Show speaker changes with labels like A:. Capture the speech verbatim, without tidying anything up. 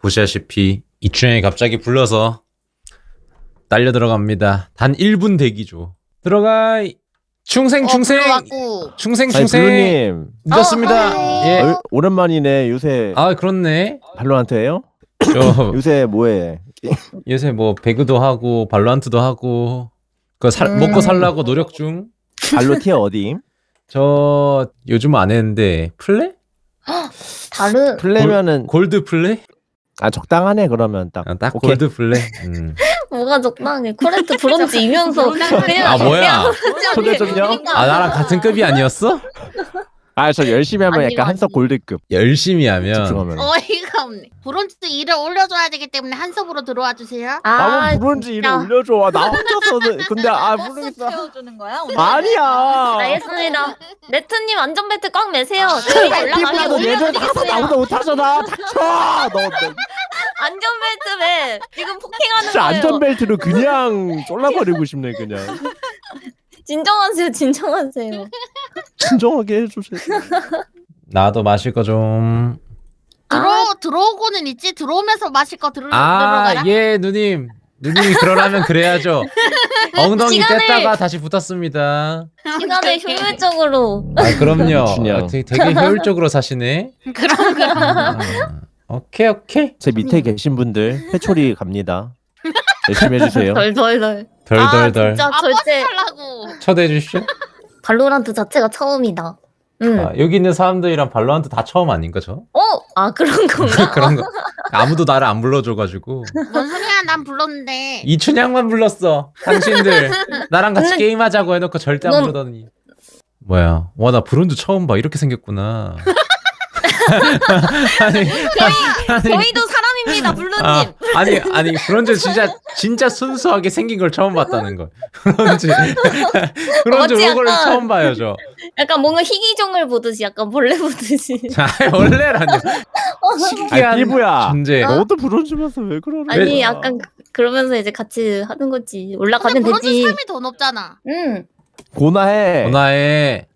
A: 보시다시피 이춘향이 갑자기 불러서 딸려 들어갑니다. 단 일 분 대기죠. 들어가. 충생 충생.
B: 어,
A: 충생
C: 아니
A: 충생.
C: 블루님
A: 늦었습니다.
B: 어,
A: 예.
C: 어, 오랜만이네. 요새
A: 아 그렇네.
C: 발로란트예요?
A: 저
C: 요새 뭐해?
A: 요새 뭐 배그도 하고 발로란트도 하고 그 살
B: 음.
A: 먹고 살라고 노력 중.
C: 발로 티어 어디임?
A: 저 요즘 안 했는데 플레?
B: 다른
C: 플레면은
A: 골드 플레?
C: 아 적당하네 그러면 딱.
A: 아, 딱
C: 오케이.
A: 골드 플레. 음.
B: 뭐가 적당해. 코레트 브론즈이면서 그냥
A: 아 뭐야?
C: 초대 좀요.
A: 아 나랑 같은 급이 아니었어?
C: 아 저 열심히 하면
B: 아니요,
C: 약간 한석
B: 아니요.
C: 골드급
A: 열심히 하면
C: 집중하면.
D: 어이가 없네. 브론즈 일을 올려줘야 되기 때문에 한섭으로 들어와 주세요.
C: 나만 브론즈 일을
B: 진짜.
C: 올려줘. 아, 나 혼자서는 근데 아 모르겠어.
E: 채워주는 거야? 오늘?
C: 아니야.
B: 알겠습니다. 레트님 안전벨트 꽉 매세요.
C: 피부라도 얘들 다 나보다 못하잖아. 닥쳐. 너, 너
B: 안전벨트 매. 지금 폭행하는
C: 진짜
B: 거예요.
C: 안전벨트로 그냥 쫄라버리고 싶네 그냥.
B: 진정하세요. 진정하세요.
C: 진정하게 해주세요.
A: 나도 마실 거 좀.
D: 들어 들어오고는 있지. 들어오면서 마실 거 들어
A: 아,
D: 들어가라.
A: 예, 누님. 누님이 그러라면 그래야죠. 엉덩이
B: 시간을-
A: 뗐다가 다시 붙었습니다.
B: 시간을 효율적으로.
A: 아, 그럼요.
C: 준영.
A: 아, 되게, 되게 효율적으로 사시네.
D: 그럼 그럼.
A: 아, 오케이, 오케이.
C: 제 밑에 계신 분들 회초리 갑니다. 열심히 해주세요.
B: 덜덜덜.
A: 덜덜덜.
B: 아, 진짜
D: 아 버스
B: 절대
D: 타려고.
A: 초대해 주시죠.
B: 발로란트 자체가 처음이다. 응.
A: 아, 여기 있는 사람들이랑 발로한테 다 처음 아닌 거죠?
B: 어? 아 그런 건가?
A: 그런 거. 아무도 나를 안 불러줘가지고.
D: 뭔 소리야? 난 불렀는데.
A: 이춘향만 불렀어. 당신들. 나랑 같이
B: 근데-
A: 게임하자고 해놓고 절대 안
B: 넌-
A: 부르더니. 뭐야. 와, 나 브론즈 처음 봐. 이렇게 생겼구나. 아니, 아니,
B: 저희도 사람입니다, 블루님.
A: 아, 아니, 아니, 브론즈 진짜, 진짜 순수하게 생긴 걸 처음 봤다는 거. 브론즈. 브론즈
B: 어찌
A: 로고를
B: 약간-
A: 처음 봐요, 저.
B: 약간 뭔가 희귀종을 보듯이, 약간 벌레 보듯이.
A: 자, 원래라뇨.
C: 아니
A: 신기한
C: 피부야.
A: 존재.
C: 너도 브론즈면서 왜 그러는 거야?
B: 아니 약간 그- 그러면서 이제 같이 하는 거지.
D: 근데
B: 올라가면
D: 브론즈
B: 되지.
D: 삼이 더 높잖아.
B: 응.
C: 고나해.
A: 전화해.